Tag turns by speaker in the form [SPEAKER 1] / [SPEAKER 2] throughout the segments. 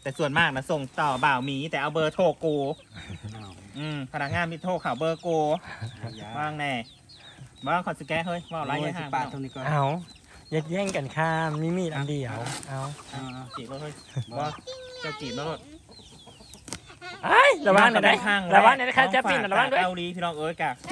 [SPEAKER 1] แต่ส่วนมากนะส่งต่อบ่าวหมีแต่เอาเบอร์โทรกู
[SPEAKER 2] อ้าว
[SPEAKER 1] พนักงานมีโทรข่าวเบอร์กู
[SPEAKER 2] อย่า
[SPEAKER 1] ว่างแน่บ้างขอสแกนเฮ้ยว่าอะไร
[SPEAKER 2] โอ้
[SPEAKER 1] ยั
[SPEAKER 2] ย
[SPEAKER 1] ง
[SPEAKER 2] สิ
[SPEAKER 1] ห่าง
[SPEAKER 2] ปาดตรงนี้ก่อน
[SPEAKER 3] เอายัดแย่งกันข้ามมีมีดอันเดียวเอา
[SPEAKER 1] จีบแล้วเฮ้ยว่าเจ้าจีบแล้วรถ
[SPEAKER 3] ไอ้ยระวังหน่อยนะระวังหน่อยนะคะจะปิ่นระวังด้วย
[SPEAKER 1] เกาหลีพี่น้องเอ้ยกะ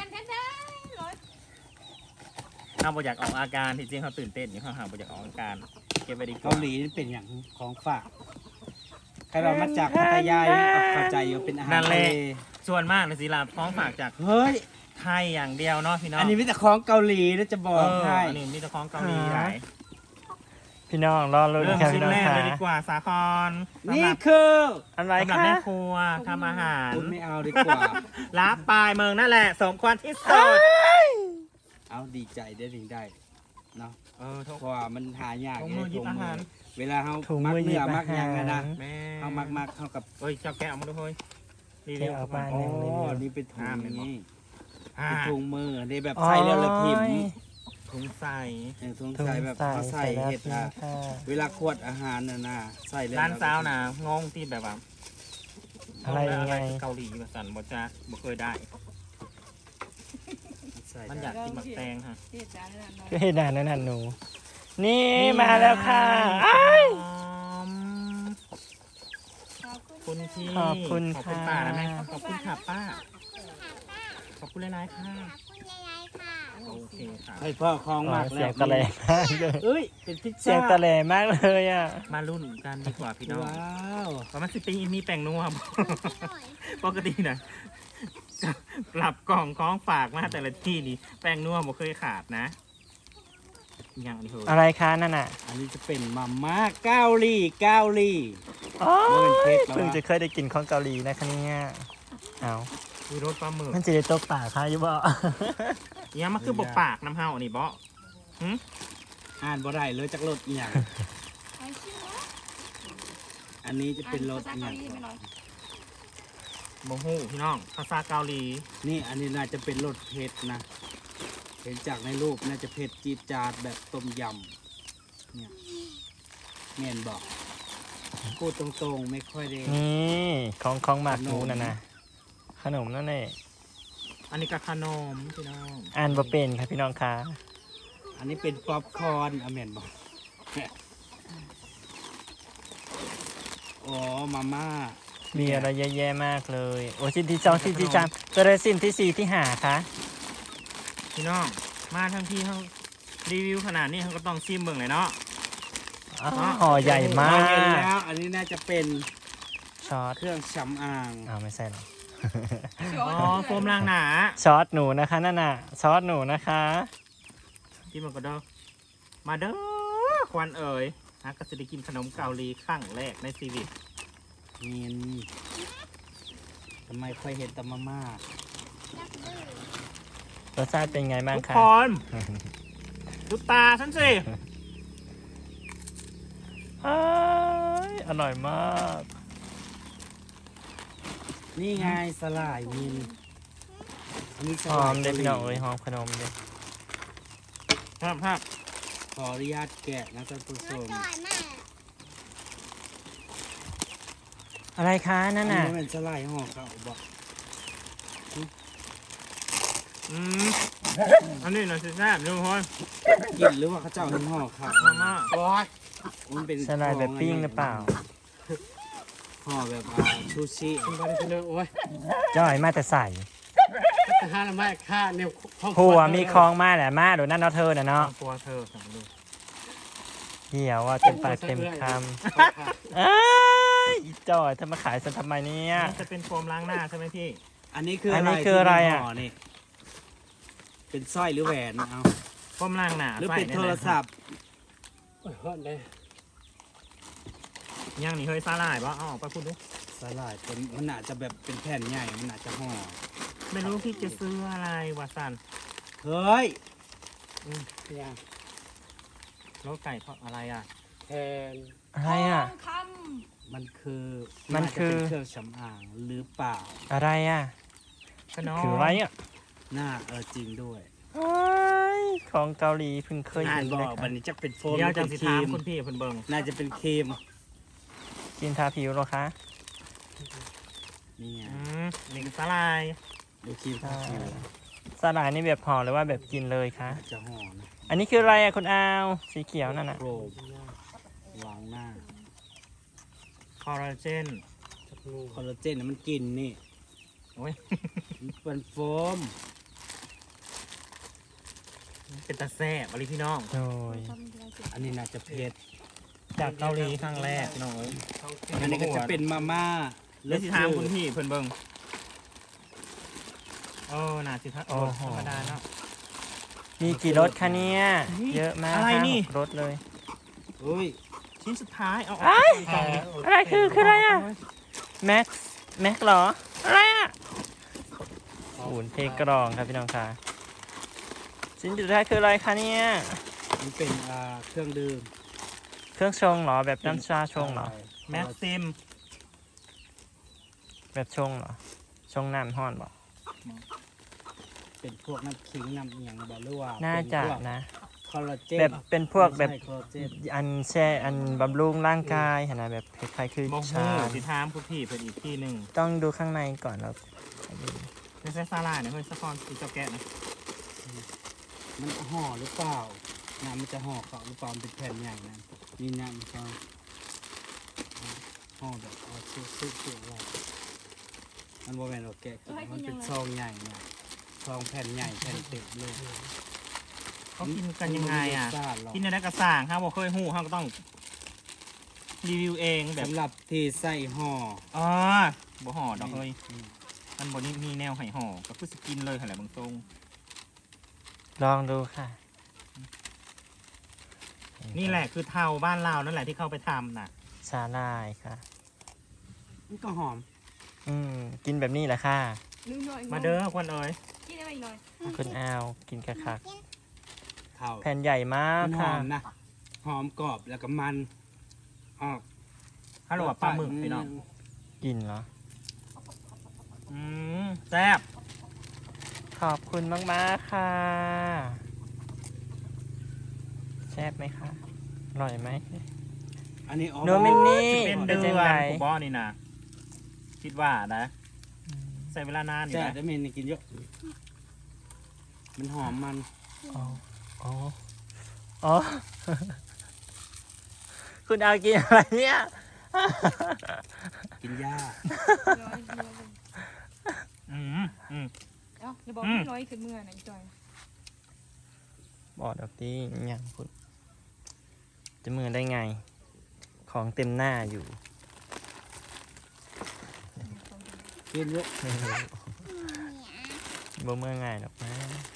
[SPEAKER 1] เอาบ่อยากออกอาการที่จริงเขาตื่นเต้นอยู่เขาหาบ่อยากออกอาการเก็บไว้ดีกว่า
[SPEAKER 2] เกาหลีนี่เป็นอย่างของฝากใครเรามาจากพัทยานี่ก็เข้าใจอยู่เป็นอาหารทะเล
[SPEAKER 1] ส่วนมากในศิลาฟ้องฝากจาก
[SPEAKER 2] เฮ้ย
[SPEAKER 1] ไทยอย่างเดียวเนาะพี่น้อง
[SPEAKER 2] อันนี้มีแต่ของเกาหลีนะจะบอกให้
[SPEAKER 1] อันนี้มีแต่ของเกาหลีหลาย
[SPEAKER 3] พี่น้องรอลุ้น
[SPEAKER 1] เริ่ม
[SPEAKER 3] ครับ
[SPEAKER 1] ชิ้
[SPEAKER 3] พี่
[SPEAKER 1] น
[SPEAKER 3] น้อง
[SPEAKER 1] แรก
[SPEAKER 3] ค่ะ
[SPEAKER 1] เลยดีกว่าสาคร
[SPEAKER 2] นี่คือ
[SPEAKER 3] อะไร
[SPEAKER 1] สำหรับ
[SPEAKER 3] คะ
[SPEAKER 1] แม่ครัวทำอาหาร
[SPEAKER 2] คุณไม่เอาดีกว่า
[SPEAKER 1] รับปลายเมืองนั่นแหละสมควรที่สุด
[SPEAKER 2] เอาดีใจได้ถึงได้เนาะ
[SPEAKER 1] ทุก
[SPEAKER 2] เพราะว่ามันหายาก
[SPEAKER 1] ถุงมือหยิบอาหาร
[SPEAKER 2] เวลาเขา
[SPEAKER 3] ถุง
[SPEAKER 2] มัก
[SPEAKER 3] มือหยิ
[SPEAKER 2] เนื้
[SPEAKER 3] บ
[SPEAKER 2] อมั
[SPEAKER 3] อาก
[SPEAKER 2] หยัง
[SPEAKER 3] หา
[SPEAKER 2] อะนะ
[SPEAKER 3] ร
[SPEAKER 1] แม่
[SPEAKER 2] เขามักเข้ากับ
[SPEAKER 1] เอ้ยเจ้าแกะเอามาดูเฮ้ยรีวิ
[SPEAKER 3] แกะ
[SPEAKER 1] ว
[SPEAKER 3] เอาไป
[SPEAKER 2] อ๋อนี่เป็นถุงอย่างนี้
[SPEAKER 1] อ่า
[SPEAKER 2] เป็นถุงมือในแบบใส่แล้วละพิมพ์
[SPEAKER 1] ถุงใส่
[SPEAKER 2] ถุง
[SPEAKER 3] ถุง
[SPEAKER 2] ใส่แบบเขาใส่
[SPEAKER 3] แล้ว
[SPEAKER 2] เห็ด
[SPEAKER 3] พี่
[SPEAKER 2] อ่ะ
[SPEAKER 3] ค่ะ
[SPEAKER 2] เวลาขวดอาหารน่ะนะใส่แล้ว
[SPEAKER 1] ร้านสาวนะงงที่แบบว่า
[SPEAKER 3] อะไรยังไง
[SPEAKER 1] เกาหลีแบบสันบ่จะบ่เคยได้
[SPEAKER 2] ใส่
[SPEAKER 1] มันอยากกินหมักแตงค่ะ
[SPEAKER 3] ก็เห็นนานนั่นหนู นี่มาแล้วค่ะอ้าย
[SPEAKER 1] คุณพี่
[SPEAKER 3] ขอบคุณ
[SPEAKER 1] ขอบคุณ
[SPEAKER 3] ค่ะ
[SPEAKER 1] ป้านะแม่ขอบคุณค่ะป้า ขอบคุณหลายๆค่ะ
[SPEAKER 4] คุณยายค่ะ
[SPEAKER 1] โอเคค่ะ
[SPEAKER 2] ให้พ่อคลองมาก
[SPEAKER 3] เสี
[SPEAKER 2] แล้
[SPEAKER 3] ยว งตะแหลมากเลย
[SPEAKER 2] เอ้ยเป็นพิซ
[SPEAKER 3] เสีย
[SPEAKER 2] ซ่าง
[SPEAKER 3] ตะแหลมากเลยอ่ะ
[SPEAKER 1] มารุ่นกันดีกว่าพี่น้อง
[SPEAKER 2] ว้าว
[SPEAKER 1] ประมาณ10 ปีมีแป้งนัวบ่ ปกตินะกลับกล่องของฝากมาแต่ละที่นี่แป้งนัวบ่เคยขาดนะอย่างนี้เฮ้ย
[SPEAKER 3] อะไรคะนั่นอ่ะ
[SPEAKER 2] อันนี้จะเป็นมาม่าเกาหลีเกาหลี
[SPEAKER 3] อ๋อ
[SPEAKER 2] มันเป็นเพชรแล้ว
[SPEAKER 3] เพิ่ง
[SPEAKER 2] วะ
[SPEAKER 3] จะเคยได้กินของเกาหลีนะคะเนี่ยเอา
[SPEAKER 1] มีรสปลาหมึก
[SPEAKER 3] มันจะได้ตกปากค่ะอยุบ่
[SPEAKER 1] เนี่ยมันคือบกปากน้ำเฮาอันนี้บ่
[SPEAKER 2] อ่านบ่ได้เลยจากรถอีหยังอันนี้จะเป็นรถอีหยังก่อน
[SPEAKER 1] บ่ฮู้พี่น้องภาษาเกาหลี
[SPEAKER 2] นี่อันนี้น่าจะเป็นรสเผ็ดนะ เห็นจากในรูปน่าจะเผ็ดจี๊ดจาดแบบต้มยำเนี่ยแม่นบอกพูดตรงๆไม่ค่อยได้
[SPEAKER 3] นี่ของหมากหนูน่ะนะขนมนั่นเอง
[SPEAKER 1] อันนี้ก็ขนมพี่น้อง
[SPEAKER 3] อ่านบ่เป็นค่ะพี่น้องค่ะ
[SPEAKER 2] อันนี้เป็นป๊อปคอร์นแม่นบอกอ๋อมาม่า
[SPEAKER 3] มีอะไรแย่ๆมากเลย โอ้สิ้นที่สองสิ้นที่สามตัวเลยสิ้นที่สี่ที่ห้าค่ะ
[SPEAKER 1] พี่น้องมาทั้งที่เขารีวิวขนาดนี้เขาก็ต้องซิมเบิ่งเลยเนาะ
[SPEAKER 3] อ๋อห่อใหญ่มา
[SPEAKER 2] เห็น
[SPEAKER 3] ก
[SPEAKER 2] แล้ว อันนี้น่าจะเป็น
[SPEAKER 3] ช็อต
[SPEAKER 2] เครื่องสำอาง
[SPEAKER 3] อ้าวไม่ใช่หรอก
[SPEAKER 1] อ๋อโฟมล้างหนา
[SPEAKER 3] ช็อตหนูนะคะนั่นน่ะช็อตหนูนะคะ
[SPEAKER 1] ที่มันก็เด้อมาเด้อควันเอ๋ยฮักก็จะได้กินขนมเกาหลีครั้งแรกในชีวิต
[SPEAKER 2] นี่ทำไมค่อยเห็นแต่มาม่าร
[SPEAKER 3] สชาติเป็นไงบ้าง
[SPEAKER 1] ทุก
[SPEAKER 3] คะ
[SPEAKER 1] คนดูตาฉันสิ
[SPEAKER 3] อ้ายอร่อยมาก
[SPEAKER 2] นี่ไงสลายมินอันนี้ส
[SPEAKER 3] หอ
[SPEAKER 2] ลาย
[SPEAKER 3] มเลยพี่น้องเอ้ยหอมขนมเลย
[SPEAKER 1] ครับ
[SPEAKER 2] ขออนุญาตแกะนะท่านผู้ชม
[SPEAKER 4] อร่อยมาก
[SPEAKER 3] อะไรคะนั่
[SPEAKER 2] อัน
[SPEAKER 3] น
[SPEAKER 2] นี้
[SPEAKER 3] น่ะ
[SPEAKER 2] เป็นสลายห่อเขาบอก
[SPEAKER 1] อันนี้หน่อยสิแซ่บทุกคน
[SPEAKER 2] กินหรือว่าเขาเจ้าเห็นห่อเขา
[SPEAKER 1] มาม่า
[SPEAKER 2] มันเป็น
[SPEAKER 3] สลายแบบปิ้งหรือเปล่า
[SPEAKER 2] ห่อแบบชูชิ
[SPEAKER 5] คุณบริษัทโอ้ย
[SPEAKER 3] จ้อยมาแต่ใส่
[SPEAKER 5] ทหารละไม่ค่าเนี่ยห้อง
[SPEAKER 3] ผัวมีคลองมาแหละมาเดี๋ยวนั่นเนาะเธอน่ะเนาะ
[SPEAKER 1] ตัวเธอสั่งดู
[SPEAKER 3] เหี่ยวว่าเต็มปากเต็มคำเอ้ยอีจ้อยเธอมาขายฉันทำไมเนี่ย
[SPEAKER 1] นี่จะเป็นโฟมล้างหน้าใช่ไหมพี่
[SPEAKER 2] อันนี้คือ
[SPEAKER 3] อั
[SPEAKER 2] อั
[SPEAKER 3] นนี้คืออะไรอะ
[SPEAKER 2] นี่เป็นสร้อยหรือแหวนเอา
[SPEAKER 1] โฟมล้างหน้า
[SPEAKER 2] หรือ
[SPEAKER 1] ใส่
[SPEAKER 2] เป็น
[SPEAKER 1] ใ
[SPEAKER 2] โทรศัพท์
[SPEAKER 5] โอ้ยฮอดเลย
[SPEAKER 1] ยังนี่เฮ้ยสาหร่ายบ่เอาออกไปพูดดู
[SPEAKER 2] สลายเป็นมันอาจจะแบบเป็นแผ่นใหญ่มันอาจจะห่อ
[SPEAKER 1] ไม่รู้พี่จะซื้ออะไรวะสัน
[SPEAKER 2] เฮ้ย
[SPEAKER 5] อย่าง
[SPEAKER 1] รถไก่ทอดอะไรอ่ะ
[SPEAKER 5] แทน
[SPEAKER 3] อะไรอ่ะ
[SPEAKER 2] มันคือ
[SPEAKER 3] มันคือ
[SPEAKER 2] าจะเป็นเครื่องสำอางหรือเปล่า
[SPEAKER 3] อะไรอ่ะ
[SPEAKER 1] ขนม
[SPEAKER 3] คืออะไรอ่ะ
[SPEAKER 2] หน้าจริงด้วย
[SPEAKER 3] โอ้ยของเกาหลีเพิ่งเคย
[SPEAKER 2] อ่าน
[SPEAKER 3] เห็น
[SPEAKER 2] บ
[SPEAKER 3] เล
[SPEAKER 2] อย ก
[SPEAKER 3] ค่ะ
[SPEAKER 2] วันนี้จะเป็นโฟม
[SPEAKER 1] เดี๋ยว
[SPEAKER 2] หรือ
[SPEAKER 1] จั
[SPEAKER 2] เป็
[SPEAKER 1] ง
[SPEAKER 2] น
[SPEAKER 1] สิ
[SPEAKER 2] ครี
[SPEAKER 1] ถาม
[SPEAKER 2] ม
[SPEAKER 1] คุณพี่เพิ่นเบิ่ง
[SPEAKER 2] น่าจะเป็นครีม
[SPEAKER 3] กินทาผิวเหรอคะ
[SPEAKER 2] นี่ไง
[SPEAKER 3] นี่คือสาลาย
[SPEAKER 2] ดูครีมทาผิว
[SPEAKER 3] สาลายนี่แบบห่อหรือว่าแบบกินเลยคะ
[SPEAKER 2] จะห่อนะ
[SPEAKER 3] อันนี้คืออะไรอะคุณอาวสีเขียวนั่นน่ะ
[SPEAKER 2] โครบล้างหน้า
[SPEAKER 1] คอลลาเจน
[SPEAKER 5] จับงู
[SPEAKER 2] คอลลาเจนน่ะมันกินนี่
[SPEAKER 1] โอ้ย
[SPEAKER 2] มันเป็นโฟม
[SPEAKER 1] เป็นตาแซ่บอะไรพี่น้อง
[SPEAKER 3] โอ้ย
[SPEAKER 2] อันนี้น่าจะเผ็ด
[SPEAKER 1] จากเกาหลีครั้งแรกพี่น้องเอ้ย
[SPEAKER 2] อันนี้ก็จะเป็นมาม่า
[SPEAKER 1] เลือสิถามคุณพี่เพิ่นเบิ่งโอ้น่าสิทัก
[SPEAKER 3] โอ้โห
[SPEAKER 1] ธรรมดาเนาะ
[SPEAKER 3] มีกี่รสคะเนี่ย
[SPEAKER 1] นี่
[SPEAKER 3] เยอะมาก
[SPEAKER 1] อะไร
[SPEAKER 3] ห้า
[SPEAKER 1] นี่
[SPEAKER 3] หกรสเลย
[SPEAKER 2] อุ้ย
[SPEAKER 1] ชิ้นสุดท้ายเอาอ
[SPEAKER 3] ไอ้
[SPEAKER 1] อกกล่องดิ
[SPEAKER 3] อะไรคืออะไรอ่ะ แม็กซ์เหรอ อะไรอ่ะอุ่นเทกรองครับพี่น้องค่ะชิ้นสุดท้ายคืออะไรคะเนี่ย
[SPEAKER 2] มันเป็นเครื่องดื่ม
[SPEAKER 3] เครื่องชงเหรอ แบบน้ำชาชงเหรอ
[SPEAKER 1] แม็กซิม
[SPEAKER 3] แบบชงเหรอ ชงน้ำห้อนเหรอ
[SPEAKER 2] เป็นพวกน้ำขิงน้ำอหย่างแบบหรือว่า
[SPEAKER 3] น่าจะ
[SPEAKER 2] เป็นพวก
[SPEAKER 3] นะ
[SPEAKER 2] คอลลาเจน
[SPEAKER 3] แบบเป็นพวกแบบ
[SPEAKER 2] ไม่ใช่คอลลาเจน
[SPEAKER 3] อันแช่อันบำรุงร่างกายเห็นไหมแบบคล้ายๆคือ
[SPEAKER 1] โมโห
[SPEAKER 3] ชา
[SPEAKER 1] สิถามคุณพี่เพิ่นอีกที่หนึ่ง
[SPEAKER 3] ต้องดูข้างในก่อนแล้ว
[SPEAKER 1] ไม่ใช่ซาลาเนี่ยเฮ้ยสะคอนสีเจ้าแกะนะ
[SPEAKER 2] มันห่อหรือเปล่าน้ำมันจะห่อเขาหรือเปล่ามันเป็นแผ่นใหญ่นะนี่น้ำมันก็ห่อแบบเอาซุกๆไว้มันบ่แม่นว่าแกะกินมันเป็นซองใหญ่เนี่ยซองแผ่นใหญ่แผ่นเต็มเลย
[SPEAKER 1] เขากินกันยังไงอ่ะ
[SPEAKER 2] มันม่มีรสชาติหรอก
[SPEAKER 1] กินในกระส่างครับบอกเคยหู้เขาก็ต้องรีวิวเองแบบ
[SPEAKER 2] สำหรับที่ใส่ห่อ
[SPEAKER 1] อ๋อบ่ห่อดอกเฮ้ยมันบ่นี่มีแนวให้ห่อก็คือสกินเลยหั่นแหละบางทรง
[SPEAKER 3] ลองดูค่ะ
[SPEAKER 1] นี่แหละคือเทาบ้านเรานั่นแหละที่เข้าไปทำน่ะ
[SPEAKER 3] ชาลายค่ะ
[SPEAKER 2] มันก็หอม
[SPEAKER 3] กินแบบนี้แหละค่ะ
[SPEAKER 1] มาเด้อควันเอ๋ย
[SPEAKER 4] กินอะไรหน่อย
[SPEAKER 3] คุณอาวกินกระคัก
[SPEAKER 2] เท่า
[SPEAKER 3] แผ่นใหญ่มาก
[SPEAKER 2] มันห
[SPEAKER 3] ค่ะ
[SPEAKER 2] อมนะหอมกรอบแล้วก็มันออก
[SPEAKER 1] ฮัลโหลปลาหมึกพี่น้อง
[SPEAKER 3] กินเหรอ
[SPEAKER 1] แซ่บ
[SPEAKER 3] ขอบคุณมากๆค่ะ แซ่บไหมคะ อร่อยไหม
[SPEAKER 2] อันนี้อ๋อ
[SPEAKER 3] โนมินี่
[SPEAKER 1] เป็น
[SPEAKER 3] เป็
[SPEAKER 1] เดื
[SPEAKER 3] น
[SPEAKER 1] อน
[SPEAKER 3] จังไง
[SPEAKER 1] กูบอนี่นะคิดว่านะใส่เวลานานอยู่
[SPEAKER 2] แต่
[SPEAKER 1] นะ
[SPEAKER 2] จะมีนกินเยอะมันหอมมัน
[SPEAKER 3] อ๋อ อ๋อ อ๋อ คุณอาวกินอะไรเนี่ย
[SPEAKER 2] กินหญ้า
[SPEAKER 1] อืม
[SPEAKER 4] เอ้าอย่าบอกพี่น้อยขึ้นเมื่อนะจอย
[SPEAKER 3] บอกดอกตีอย่างคุณจะมือได้ไง ของเต็มหน้าอยู่
[SPEAKER 2] กินเยอะ
[SPEAKER 3] บ่เมื่อไงหรอกนะ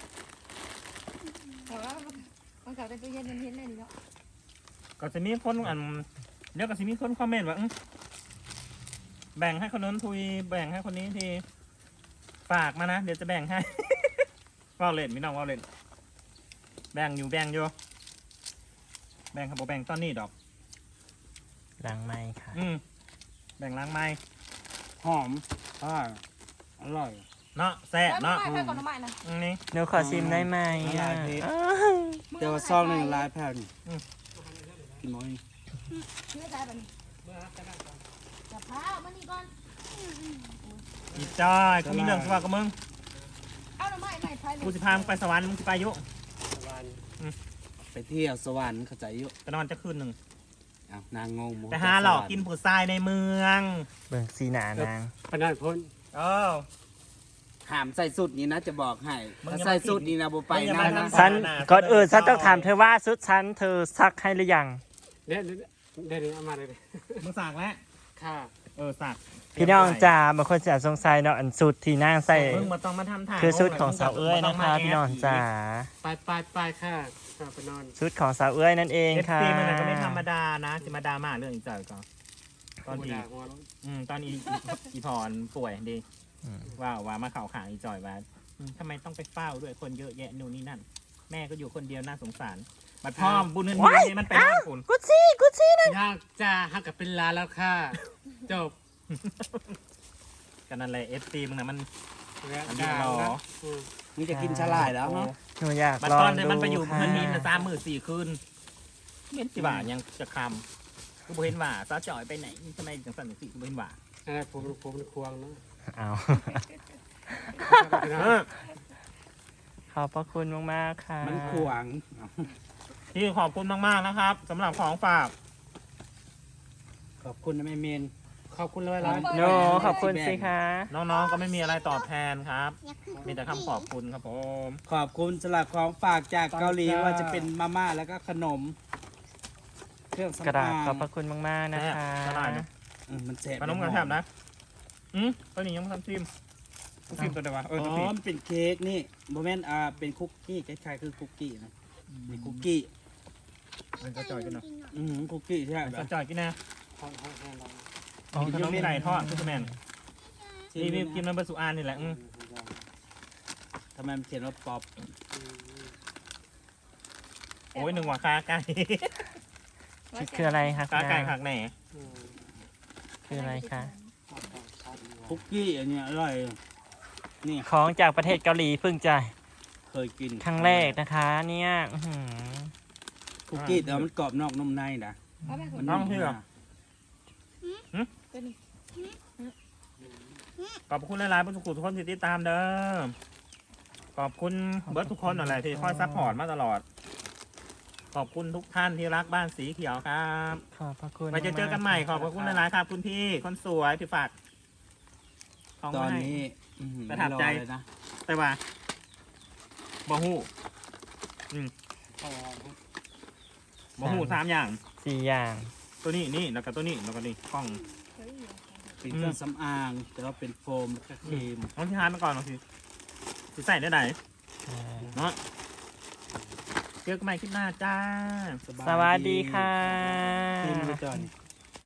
[SPEAKER 4] แต่ว่ามันกลับไปตู้เย็นมันเห็นเลยนี่เนาะ
[SPEAKER 1] ก็จะมีคนเดี๋ยวก็จะมีคนคอมเมนต์ว่าแบ่งให้คนนั้นทุยแบ่งให้คนนี้ทีฝากมานะเดี๋ยวจะแบ่งให้ ว่าเล่นพี่น้องว่าเล่นแบ่งอยู่แบ่งครับบ่แบ่งตอนนี้ดอก
[SPEAKER 3] ล้างไม้ค่ะ
[SPEAKER 1] แบ่งล้างไม้
[SPEAKER 2] หอมอร่อย
[SPEAKER 1] เนาะแซ่บเนาะ
[SPEAKER 4] ไม่ก่อนน้ำมันนะ
[SPEAKER 1] นี่
[SPEAKER 3] เดี๋ยวขอชิมได้ไหม
[SPEAKER 2] ละลายเพชร
[SPEAKER 3] อ้าว
[SPEAKER 2] แต่ว่าซองหนึ่งลายแผ่นกินหมดนี่
[SPEAKER 4] เนื้อใจแบบนี้จับเท้ามานี่ก่อน
[SPEAKER 1] อีจอยกูมีเรื่องสว่ากับมึง
[SPEAKER 4] เอาน้ำมันใหม่ไทย
[SPEAKER 1] กูสิพามึงไปสวรรค์มึงสิไปอยุ
[SPEAKER 5] สวรรค์
[SPEAKER 2] ไปเที่ยวสวรรค์เข้าใจเยอะ
[SPEAKER 1] ไปนอนจะคืนหนึ่ง
[SPEAKER 2] อ้าวนางงง
[SPEAKER 1] ไปหาหลอกกินผู้ทรายในเมือง
[SPEAKER 3] เบิ่งสีหนานาง
[SPEAKER 5] ปนัดพ้น
[SPEAKER 1] เออ
[SPEAKER 2] หามใส่สุดนี้นะจะบอกให้
[SPEAKER 1] มึง
[SPEAKER 2] ถ้า
[SPEAKER 1] อย่ามา
[SPEAKER 2] ใส่สุดนี้นะโบไป
[SPEAKER 1] มึงอย่า
[SPEAKER 2] นะ
[SPEAKER 1] มา
[SPEAKER 2] นะ
[SPEAKER 1] ทำ
[SPEAKER 3] ฉัน
[SPEAKER 1] หนา
[SPEAKER 3] ก่อนอื่นฉันต้องถามเธอว่าชุดฉันเธอซักให้หรือยัง
[SPEAKER 5] เนี่ยเดี๋ยวเอามาเลยดิ
[SPEAKER 1] มึงสั่งแล้ว
[SPEAKER 5] ค่ะ
[SPEAKER 1] สั่ง
[SPEAKER 3] พี่น้องจ๋าบางคนจะสงสัยเนาะอันสุดที่นางใส่
[SPEAKER 1] มึงมาต้องมาทำทาง
[SPEAKER 3] คือชุดของสาวเอ้ยนะคะพี่น้องจ๋า
[SPEAKER 5] ไปค่ะไปนอน
[SPEAKER 3] ชุดของสาวเอ้ยนั่นเอง
[SPEAKER 1] เอฟ
[SPEAKER 3] ค่ะ
[SPEAKER 1] ซีมันก็ไม่ธรรมดานะจะมาดราม่าเรื่องอีจอยก่อนตอน
[SPEAKER 5] หัว
[SPEAKER 1] ที่
[SPEAKER 5] ด่าหัวร้อน
[SPEAKER 1] ตอนอีพรป่วยดีว่ามาเข่าขางอีจอยว่าทำไมต้องไปเฝ้าด้วยคนเยอะแยะนู่นนี่นั่น แม่ก็อยู่คนเดียวน่าสงสารบัดพ่อบุญเงินนี่มันไปบ้านคุณ
[SPEAKER 3] กุชี่นะ
[SPEAKER 5] ย่างจ้าหักกับเป็นลาแล้วค่ะจบ
[SPEAKER 1] กันนั่นแหละเอฟซีมึงนะมัน
[SPEAKER 5] แล้ว
[SPEAKER 1] อันนี้
[SPEAKER 5] ด่า
[SPEAKER 1] เหรอ
[SPEAKER 5] แล้ว
[SPEAKER 2] มึงจะกินฉลายแล้วเนาะ
[SPEAKER 3] หนูอยาก
[SPEAKER 1] บัด
[SPEAKER 3] ลอ
[SPEAKER 1] ตอง นเดี๋ยว
[SPEAKER 3] ดู
[SPEAKER 1] มันไปอยู่
[SPEAKER 3] ค่ะ
[SPEAKER 1] เพื่อนนิน3 มื้อ 4 คืนเม็ดสิบ่ายังจะคกูบ่เห็นว่าสาวจ่อยไปไหนทำไมจังสั่นจังสิกูบ่เห็นว่า
[SPEAKER 5] นั่นแหละผมเป็นควงเนาะ
[SPEAKER 3] เอา ขอบพระคุณมากๆค่ะ
[SPEAKER 2] มันขวาง
[SPEAKER 1] พี่ขอบคุณมากๆนะครับสำหรับของฝาก
[SPEAKER 2] ขอบคุณนะแม่เมน
[SPEAKER 5] ขอบคุณเลยร้าน
[SPEAKER 3] โนขอบคุณสิคะ
[SPEAKER 1] น้องๆก็ไม่มีอะไรตอบแทนครับ
[SPEAKER 4] อยากขึ้น
[SPEAKER 1] มีแต่คำขอบคุณครับผม
[SPEAKER 2] ขอบคุณสำหรับของฝากจากเกาหลีว่าจะเป็นมาม่าแล้วก็ขนม เครื่อง
[SPEAKER 3] กระ
[SPEAKER 2] สำ
[SPEAKER 3] ดา
[SPEAKER 2] อา
[SPEAKER 3] ษ
[SPEAKER 2] ง
[SPEAKER 3] ขอบพระคุณมากๆนะคะ
[SPEAKER 1] กระดาษนะ
[SPEAKER 2] มันแสบ
[SPEAKER 1] ขนมกันแทบนะตัวนี้ยังไม่ทำซิมซิมตัวเดียววะ
[SPEAKER 2] อ๋
[SPEAKER 1] ตัว
[SPEAKER 2] อ
[SPEAKER 1] ผิด
[SPEAKER 2] มันเป็นเค้กนี่โมเมนต์เป็นคุกกี้คล้ายๆคือคุกกี้นะนี่คุกกี้
[SPEAKER 1] มันก็จ่อยกันเนาะ
[SPEAKER 2] คุกกี้ใช่ไหม
[SPEAKER 1] มันก็จ่อยกินนะ
[SPEAKER 5] ห้องแห้งเรา
[SPEAKER 1] อ๋อขนมมีไหลทอดคือแมนนี่กินมันเป็นสุอานนี่แหละ
[SPEAKER 2] ทำไมมันเขียนว่าป๊อป
[SPEAKER 1] โอ้ยหนึ่งหัวคาไก่
[SPEAKER 3] คืออะไรคะ
[SPEAKER 1] คาไก่
[SPEAKER 3] คุณ
[SPEAKER 1] ขั
[SPEAKER 3] อาก
[SPEAKER 1] แหน่
[SPEAKER 3] คืออะไรคะ
[SPEAKER 2] คุกกี้อันเนี้ยอร่อยนี่
[SPEAKER 3] ของจากประเทศเกาหลีเพิ่งจะ
[SPEAKER 2] เคยกิน
[SPEAKER 3] ครั้งแรกนะคะ เนี่ยอื้อหือ
[SPEAKER 2] คุกกี้แต่ว่ามันกรอบนอกนุ่มในนะมัน
[SPEAKER 1] น้องเชื่อขอบคุณหลายๆผู้ทุกคนที่ติดตามเด้อขอบคุณเบิร์ดทุกคนอะไรที่คอยซัพพอร์ตมาตลอด ขอบคุณทุกท่านที่รักบ้านสีเขียวครับ
[SPEAKER 3] ขอบพระคุณ
[SPEAKER 1] ไปเจอกันใหม่ขอบพระคุณหลายๆครับคุณพี่คนสวยที่ฝากของ
[SPEAKER 2] ตอน
[SPEAKER 1] มาให้
[SPEAKER 2] นี้
[SPEAKER 1] ประทับใจ
[SPEAKER 2] ไม่อเลยนะ
[SPEAKER 1] แต่ว่าบ่ฮู้บ่ฮู้3อย่าง
[SPEAKER 3] 4 อย่าง
[SPEAKER 1] ตัวนี้นี่แล้วก็ตัวนี้แล้วก็นี่กล้อง
[SPEAKER 2] เป็นเครื่องสำอาง แต่ว่าเป็นโฟมแล้วก็ครีม
[SPEAKER 1] น้องที่ฮานมาก่อนน้องสิใส่ได้ไหนเนาะเจอกันใหม่คลิปหน้าจ้า
[SPEAKER 3] สวัสดีค่ะ
[SPEAKER 2] ครีมไปก่อน